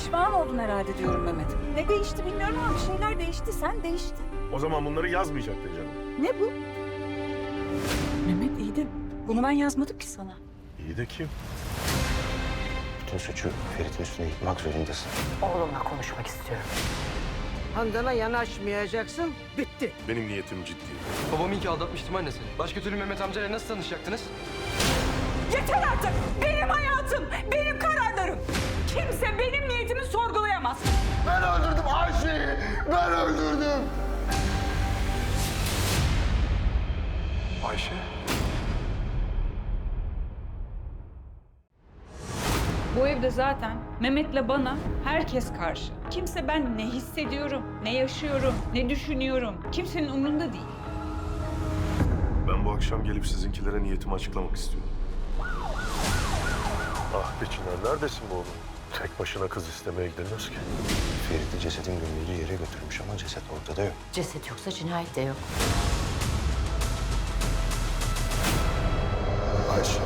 Pişman oldun herhalde diyorum Mehmet. Ne değişti bilmiyorum ama bir şeyler değişti. Sen değiştin. O zaman bunları yazmayacaktın canım. Ne bu? Mehmet iyi de bunu ben yazmadım ki sana. İyi de kim? Bütün suçu Ferit'in üstüne yıkmak zorundasın. Oğlumla konuşmak istiyorum. Handan'a yanaşmayacaksın, bitti. Benim niyetim ciddi. Babamı iyi ki aldatmıştım anne seni. Başka türlü Mehmet amcayla nasıl tanışacaktınız? Yeter artık! Benim hayatım, benim kararlarım. Kimse benim niyetimi sorgulayamaz. Ben öldürdüm Ayşe'yi! Ben öldürdüm! Ayşe? Bu evde zaten Mehmet'le bana herkes karşı. Kimse ben ne hissediyorum, ne yaşıyorum, ne düşünüyorum. Kimsenin umrunda değil. Ben bu akşam gelip sizinkilere niyetimi açıklamak istiyorum. Ah be Çınar, neredesin bu oğlum? Tek başına kız istemeye gidilmez ki. Ferit'i cesedin gömüldüğü yere götürmüş ama ceset ortada yok. Ceset yoksa cinayet de yok. Ayşe.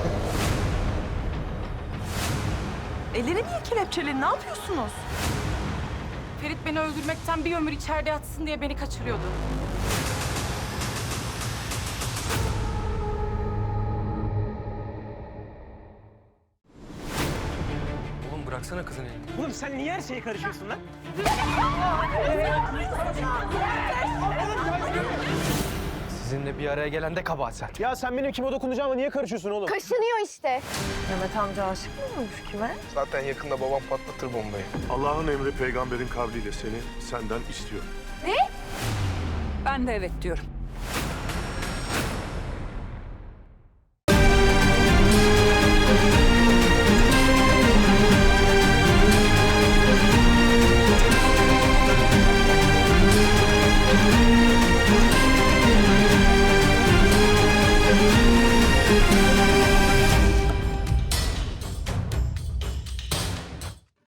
Elleri niye kelepçeli? Ne yapıyorsunuz? Ferit beni öldürmekten bir ömür içeride yatsın diye beni kaçırıyordu. Oğlum bıraksana kızın elini. Oğlum sen niye her şeye karışıyorsun lan? Sizinle bir araya gelen de kabahat sen. Ya sen benim kime dokunacağıma niye karışıyorsun oğlum? Kaşınıyor işte. Mehmet amca aşık mı olmuş kime? Zaten yakında babam patlatır bombayı. Allah'ın emri peygamberin kavliyle seni senden istiyor. Ben de evet diyorum.